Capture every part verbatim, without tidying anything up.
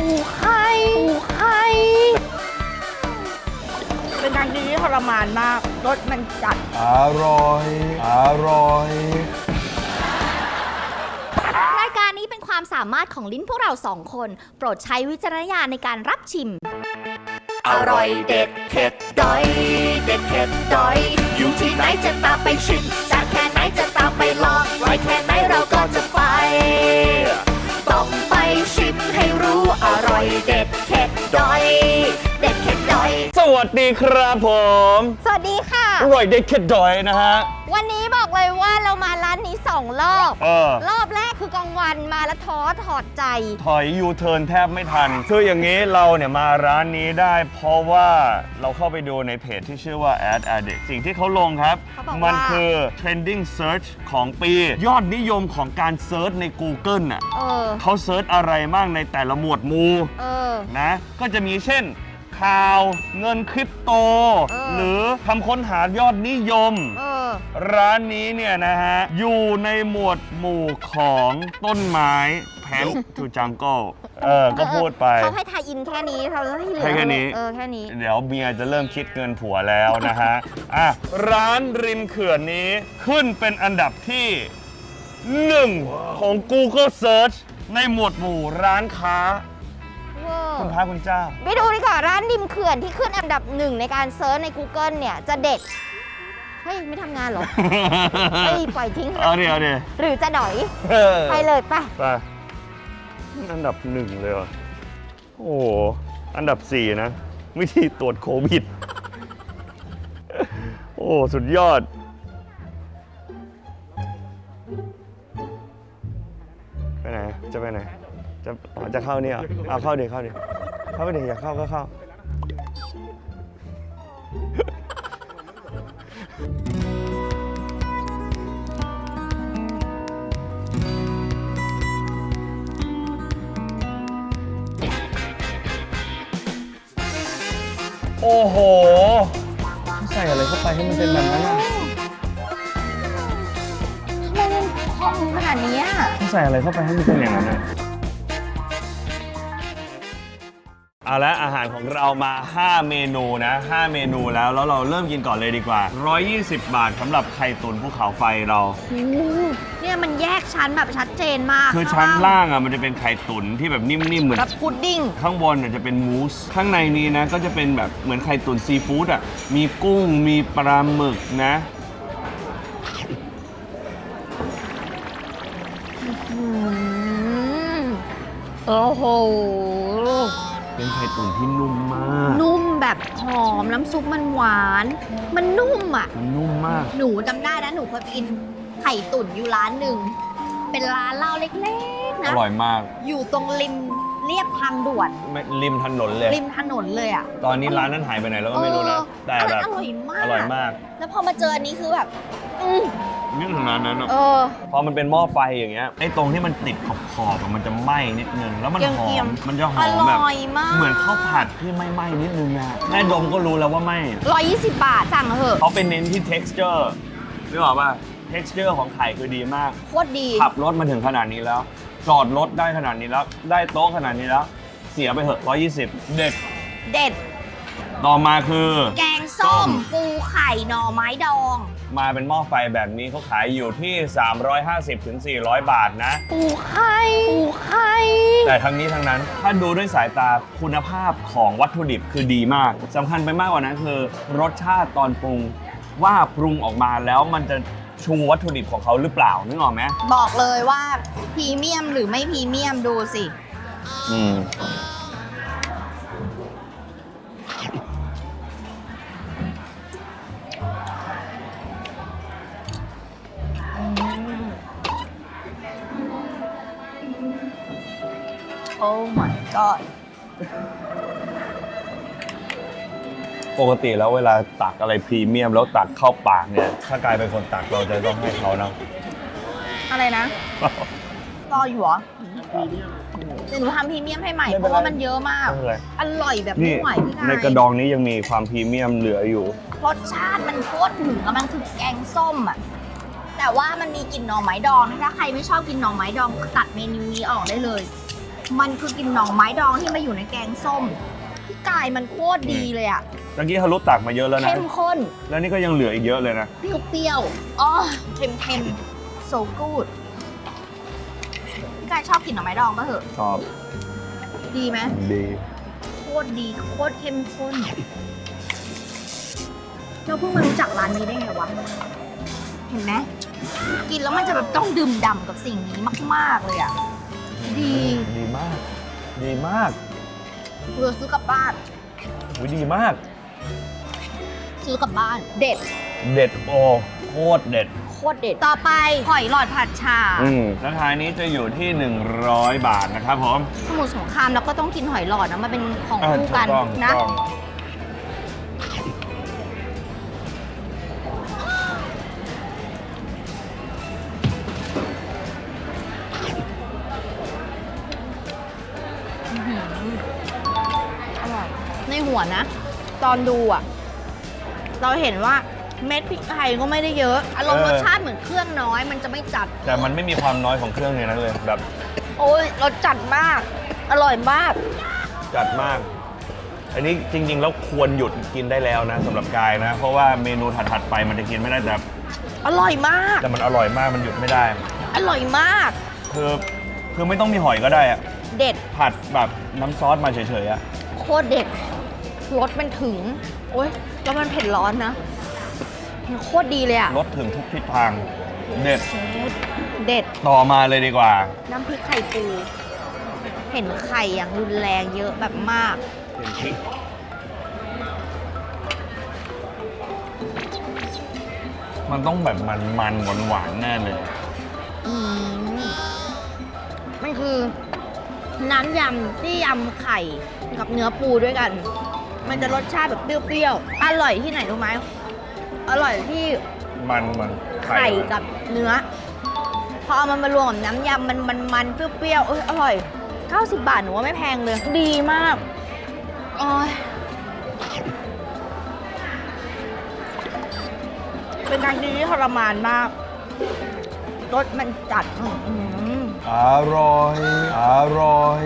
ปูไข่ปูไข่เป็นการกินที่ทรมานมากรสมันจัดอร่อยอร่อยรายการนี้เป็นความสามารถของลิ้นพวกเราสองคนโปรดใช้วิจารณญาณในการรับชิมอร่อยเด็ดเผ็ดดอยเด็ดเผ็ดดอยอยู่ที่ไหนจะตามไปชิมจากแค่ไหนจะตามไปลองไว้แค่ไหนเราก็จะไปต้องไปชิมให้รู้อร่อยเด็ดเผ็ดดอยเด็ดเผ็ดดอยสวัสดีครับผมสวัสดีค่ะอร่อยเด็ดเผ็ดดอยนะฮะวันนี้บอกเลยว่าเรามาร้านนี้สองรอบเออรอบแรกคือกลางวันมาแล้วท้อถอดใจถอยยูเทิร์นแทบไม่ทันคืออย่างนี้เราเนี่ยมาร้านนี้ได้เพราะว่าเราเข้าไปดูในเพจที่ชื่อว่า Ad Addict สิ่งที่เขาลงครับมันคือ trending search ของปียอดนิยมของการเซิร์ชใน Google น่ะเออเขาเซิร์ชอะไรบ้างในแต่ละหมวดหมู่เออนะก็จะมีเช่นข่าวเงินคริปโตหรือคำค้นหายอดนิยมร้านนี้เนี่ยนะฮะอยู่ในหมวดหมู่ของต้นไม้แพนทูจังเกิลเออก็พูดไปเขาให้ทายอินแค่นี้เขาให้เหลือแค่นี้เออแค่นี้เดี๋ยวเมียจะเริ่มคิดเงินผัวแล้วนะฮะอ่ะร้านริมเขื่อนนี้ขึ้นเป็นอันดับที่หนึ่งของ Google Search ในหมวดหมู่ร้านค้าคุณพระคุณเจ้าไปดูดีกว่าร้านริมเขื่อนที่ขึ้นอันดับหนึ่งในการเซิร์ชใน Google เนี่ยจะเด็ดเฮ้ยไม่ทำงานหรอเฮ้ยปล่อยทิ้งเอาดิเอาดิหรือจะหน่อยไปเลยไปไปอันดับหนึ่งเลยว่ะโอ้อันดับสี่นะวิธีตรวจโควิดโอ้สุดยอดไปไหนจะไปไหนจะจะเข้านี่อ่ะเอาเข้าดิเข้าดิเข้าไปดิอยากเข้าก็เข้าโอ้โหใส่อะไรเข้าไปให้มันเป็นแบบนั้นอ่ะทำไมมันพองขนาดนี้อ่ะใส่อะไรเข้าไปให้มันเป็นอย่างนั้นอ่ะเอาละอาหารของเรามาห้าเมนูนะห้าเมนูแล้วแล้วเราเริ่มกินก่อนเลยดีกว่าหนึ่งร้อยยี่สิบบาทสำหรับไข่ตุ๋นภูเขาไฟเราเนี่ยมันแยกชั้นแบบชัดเจนมากคือชั้นล่างอ่ะมันจะเป็นไข่ตุ๋นที่แบบนิ่มๆเหมือนกับพุดดิ้งข้างบนจะเป็นมูสข้างในนี้นะก็จะเป็นแบบเหมือนไข่ตุ๋นซีฟู้ดอ่ะมีกุ้งมีปลาหมึกนะโอ้โหเป็นไข่ตุ๋นที่นุ่มมากนุ่มแบบหอมน้ำซุปมันหวานมันนุ่มอ่ะมันนุ่มมากหนูจำได้นะหนูเคยกินไข่ตุ๋นอยู่ร้านหนึ่งเป็นร้านเหล้าเล็กๆนะอร่อยมากอยู่ตรงริมเรียบทางด่วนริมถนนเลยริมถนนเลยอ่ะตอนนี้ร้านนั้นหายไปไหนแล้วก็ไม่รู้นะแต่แบบอร่อยมากอร่อยมากแล้วพอมาเจออันนี้คือแบบอืมนี่ถึงร้านนั้นอ่ะพอมันเป็นหม้อไฟอย่างเงี้ยไอ้ตรงที่มันติดขอบๆมันจะไหม้นิดนึงแล้วมันหอมมันจะหอมแบบเหมือนข้าวผัดที่ไม่ไหม้นิดนึงนะแม่ดมก็รู้แล้วว่าไหม้ร้อยยี่สิบบาทสั่งเถอะเขาเป็นเน้นที่ texture นึกออกป่ะ texture ของไข่คือดีมากโคตรดีขับรถมาถึงขนาดนี้แล้วจอดรถได้ขนาดนี้แล้วได้โต๊ะขนาดนี้แล้วเสียไปเถอะร้อยยี่สิบเด็ดเด็ดต่อมาคือแกงส้มปูไข่หน่อไม้ดองมาเป็นหม้อไฟแบบนี้เขาขายอยู่ที่สามร้อยห้าสิบถึงสี่ร้อยบาทนะปูไข่ปูไข่แต่ทั้งนี้ทั้งนั้นถ้าดูด้วยสายตาคุณภาพของวัตถุดิบคือดีมากสำคัญไปมากกว่านั้นคือรสชาติตอนปรุงว่าปรุงออกมาแล้วมันจะชูวัตถุดิบของเขาหรือเปล่านึกออกไหมบอกเลยว่าพรีเมียมหรือไม่พรีเมียมดูสิอืมโอ้ my god ปกติแล้วเวลาตักอะไรพรีเมียมแล้วตักเข้าปากเนี่ยถ้ากลายเป็นคนตักเราจะต้องให้เขานะอะไรนะรออยู่เหรอเดี๋ยวหนูทำพรีเมียมให้ใหม่เพราะว่ามันเยอะมากอร่อยแบบไม่ไหวพี่นายในกระดองนี้ยังมีความพรีเมียมเหลืออยู่รสชาติมันโคตรถึงมันคือแกงส้มอ่ะแต่ว่ามันมีกลิ่นหน่อไม้ดองถ้าใครไม่ชอบกินหน่อไม้ดองตัดเมนูนี้ออกได้เลยมันคือกินหน่อไม้ดองที่มาอยู่ในแกงส้มพี่กายมันโคตรดีเลยอะเมื่อกี้เขารู้ตักมาเยอะแล้วนะเข้มข้นแล้วนี่ก็ยังเหลืออีกเยอะเลยนะเปรี้ยวๆอ๋อเค็มเค็มโซกูดพี่กายชอบกินหน่อไม้ดองปะเหอะชอบดีไหมดีโคตรดีโคตรเข้มข้นเราเพิ่งมารู้จักร้านนี้ได้ไงวะ เห็นไหมกินแล้วมันจะแบบต้องดื่มด่ำกับสิ่งนี้มากๆเลยอ่ะ ดีดีมาก ดีมากเพื่อซื้อกลับบ้านอุ๊ยดีมากซื้อกลับบ้าน เด็ดเด็ดโอโคตรเด็ดโคตรเด็ด ต่อไปหอยหลอดผัดชาอืมราคานี้จะอยู่ที่ หนึ่งร้อย บาทนะครับผมสมุทรสงครามแล้วก็ต้องกินหอยหลอดนะมันเป็นของอ่าคู่ถูกักนต้องถูกนะต้องอร่อยในหัวนะ ตอนดูอ่ะ เราเห็นว่าเม็ดพริกไทยก็ไม่ได้เยอะ อารมณ์เออรสชาติเหมือนเครื่องน้อยมันจะไม่จัดแต่มันไม่มีความน้อยของเครื่องในนั้นเลย แบบโอ้ยรสจัดมาก อร่อยมากจัดมาก อันนี้จริงๆแล้วควรหยุดกินได้แล้วนะสำหรับกายนะ เพราะว่าเมนูถัดๆไปมันจะกินไม่ได้แต่อร่อยมากแต่มันอร่อยมากมันหยุดไม่ได้อร่อยมากคือคือไม่ต้องมีหอยก็ได้อะเด็ดผัดแบบน้ำซอสมาเฉยๆอะโคตรเด็ดรสมันถึง โอ้ยแล้วมันเผ็ดร้อนนะมันโคตรดีเลยอะรสถึงทุกทิศทาง เด็ดเชฟเด็ดต่อมาเลยดีกว่าน้ำพริกไข่ปู เห็นไข่อย่างรุนแรงเยอะแบบมากเป็นพริกมันต้องแบบมันๆหวานๆแน่เลยอืมมันคือน้ำยำที่ยำไข่กับเนื้อปูด้วยกัน มันจะรสชาติแบบเปรี้ยวๆ อร่อยที่ไหนรู้ไหม อร่อยที่มันมันไข่กับเนื้อ พอเอามันมารวมกับน้ำยำมันมันมันเปรี้ยวๆ เอยอร่อย เก้าสิบบาทหนูว่าไม่แพงเลย ดีมากโอ้ยเป็นการกินที่ทรมานมาก รสมันจัดอื้อหืออร่อย อร่อย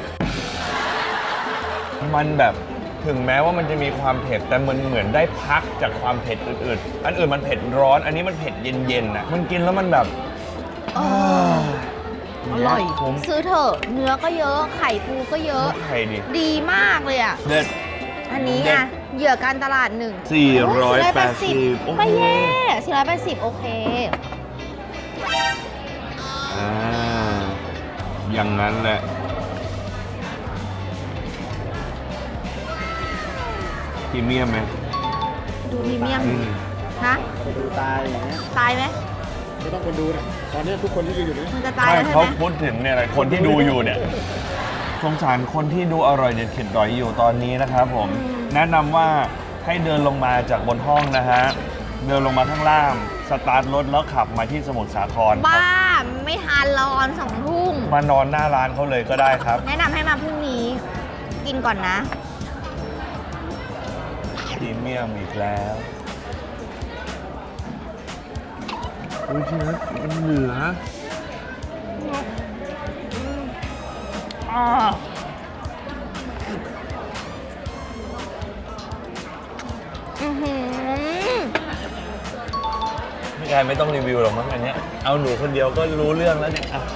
มันแบบถึงแม้ว่ามันจะมีความเผ็ดแต่มันเหมือนได้พักจากความเผ็ดอื่นๆ อันอื่นมันเผ็ดร้อน อันนี้มันเผ็ดเย็นๆน่ะ มันกินแล้วมันแบบเออ อร่อยผมซื้อเถอะ เนื้อก็เยอะ ไข่ปูก็เยอะไข่ดิดีมากเลยอ่ะเด็ดอันนี้เด็อ่ะดเหยื่อการตลาดหนึ่งสี่ร้อยแปดสิบโอ้ยไม่แย่สี่ร้อยแปดสิบโอเคอ่าอย่างนั้นแหละพรีเมียมไหมดูพรีเมียมอืมฮะไปดูตายอย่างเงี้ยตายไหมไม่ต้องคนดูนะตอนนี้ทุกคนที่อยู่อยู่นี่มันจะตายไม่แล้วใช่เขาไหมพูดถึงเนี่ยแหละคนที่ดูอยู่เนี่ยสงสารคนที่ดูอร่อยเด็ดเข็ดดอยอยู่ตอนนี้นะครับผม แนะนำว่าให้เดินลงมาจากบนห้องนะฮะ เดินลงมาข้างล่าง สตาร์ทรถแล้วขับมาที่สมุทรสาครครับบ้า ไม่ทานรอนสองทุ่มมานอนหน้าร้านเขาเลยก็ได้ครับแนะนำให้มาพรุ่งนี้ กินก่อนนะพรีเมียมอีกแล้วอุ้ยที่นั้นมันเหลืออ่าอือหือพี่กายไม่ต้องรีวิวหรอกมั้งอันเนี้ยเอาหนูคนเดียวก็รู้เรื่องแล้วเนี่ยอ่ะ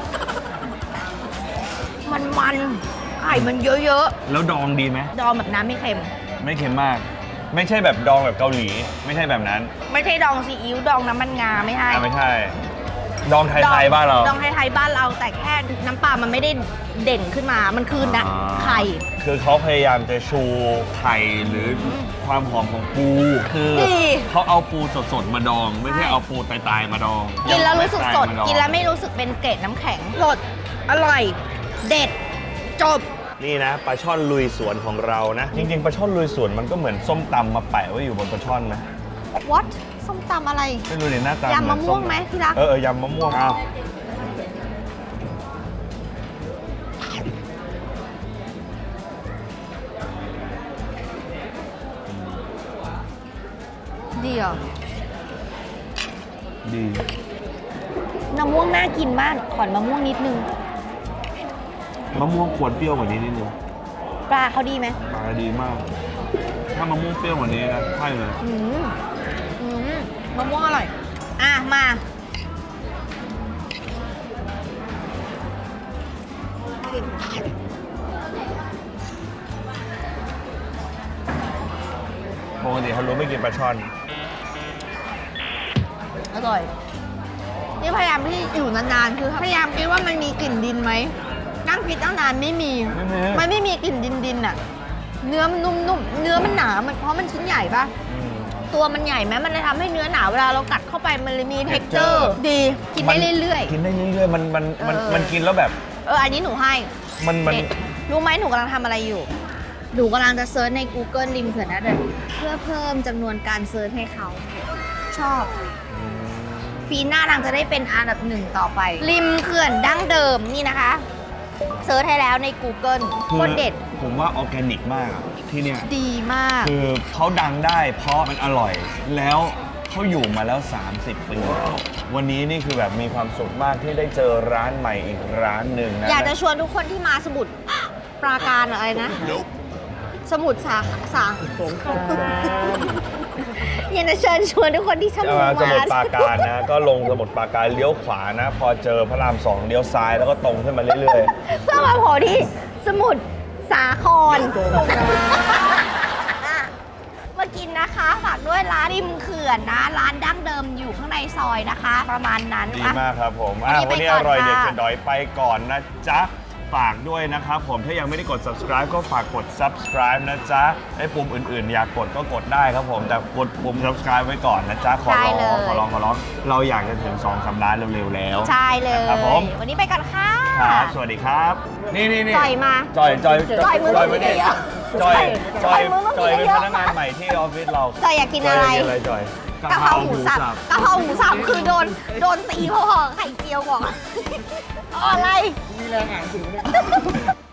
มันมันไข่มันเยอะแล้วดองดีไหมๆ ดองแบบน้ำไม่เค็มไม่เค็มมาก ไม่ใช่แบบดองแบบเกาหลี ไม่ใช่แบบนั้นไม่ใช่ดองซีอิ๊วดองน้ำมันงาไม่ใช่อ่ะไม่ใช่ ดองไทยๆบ้านเราดองไทยๆบ้านเราแต่แค่น้ำปลามันไม่ได้เด่นขึ้นมา มันคือนะอ่าไข่คือเขาพยายามจะชูไข่หรือความหอมของปู คือดีเขาเอาปูสดๆมาดอง ไม่ใช่เอาปูตายๆมาดองกินแล้วรู้สึกสดมาองกินแล้วไม่รู้สึกเป็นเกล็ดน้ำแข็งสด อร่อย เด็ด จบนี่นะปลาช่อนลุยสวนของเรานะ จริงๆปลาช่อนลุยสวนมันก็เหมือนส้มตำมาแปะไว้อยู่บนปลาช่อนนะ what ส้มตำอะไรไม่รู้เลยหน้าตายำมะม่วงไหมที่รักเออเออยำมะม่วงอ้าวดีเหรอดีมะม่วงน่ากินมาก ขอนมะม่วงนิดนึงมะม่วงควรเปรี้ยวกว่านี้นิดนึงปลาเขาดีไหมปลาดีมาก ถ้ามะม่วงเปรี้ยวกว่านี้นะใช่เลยอืมอืมมะม่วงอร่อย อ่ะ มาปกติเขารู้ไม่กินปลาช่อนอร่อย นี่พยายามที่อยู่นานๆ คือพยายามคิดว่ามันมีกลิ่นดินไหม นั่งคิดตั้งนานไม่มีไม่มีมันไม่มีกลิ่นดินดินๆอะเนื้อมันนุ่มๆ เนื้อมันหนา มันเพราะมันชิ้นใหญ่ปะอืมตัวมันใหญ่ไหมมันเลยทำให้เนื้อหนาเวลาเรากัดเข้าไปมันเลยมี texture texture ดี กินได้เรื่อยกินได้เรื่อยๆ มันมันมันเออมันกินแล้วแบบๆ เออ อันนี้หนูให้มันมันเด็ดรู้ไหมหนูกำลังทำอะไรอยู่ หนูกำลังจะเซิร์ชใน Google ริมเขื่อนนะเดนเพื่อเพิ่มจำนวนการเซิร์ชให้เขา ชอบ ปีหน้านางจะได้เป็นอันดับหนึ่งต่อไป ริมเขื่อนดั้งเดิมนี่นะคะ เซิร์ชให้แล้วใน Google โคตรเด็ดผมว่าออร์แกนิกมากอะที่เนี่ยดีมากคือเขาดังได้เพราะมันอร่อย แล้วเขาอยู่มาแล้ว สามสิบ ปี วันนี้นี่คือแบบมีความสุขมากที่ได้เจอร้านใหม่อีกร้านหนึ่งนะอยากจะชวนทุกคนที่มาสมุทรปราการอะไรนะ สมุทรสาสาสงครามอยากจะเชิญชวนทุกคนที่สมุทรสมุทรปมาราการนะ ก็ลงสมุทรปราการเลี้ยวขวานะ พอเจอพระรามสองเลี้ยวซ้ายแล้วก็ตรงขึ้นมาเรื่อยเพื่อมาโผล่ที่สมุทรสาคร อ่ะมากินนะคะฝากด้วยร้านริมเขื่อนนะ ร้านดั้งเดิมอยู่ข้างในซอยนะคะ ประมาณนั้นๆ ดีอ่ะมากครับผมอ่ะวัวันนนี้นี้ไปอก่อนร่อยเด็ดค่ะเผ็ดดอยไปก่อนนะจ๊ะ ฝากด้วยนะครับผมถ้ายังไม่ได้กด subscribe ก็ฝากกด subscribe นะจ๊ะไอ้ปุ่มอื่นๆ อยากกดก็กดได้ครับผม แต่กดปุ่ม subscribe ไว้ก่อนนะจ๊ะ ขอใช่ร้เลองยขอร้องขอร้องเราอยากจะถึงสองสามล้านเร็วๆแล้วใช่เลยครับผมวันนี้ไปกันค่ะครับสวัสดีครับ นี่นี่นี่จ่อยมาจอยจอยจอยมือจอยมืไม่อได้เยอะจอยจอยจอยมือมือจอยเป็นเยอะพนักงานใหม่ที่ออฟฟิศเราจอยอยากกินอะไรจอยากกินอะไรจอยกะเพราหมูสับกะเพราหมูสับคือโดนโดนตีเพราะห่อไข่เจียวก่อน เอาอะไรมีแรงอ่านหนังสือเนี่ย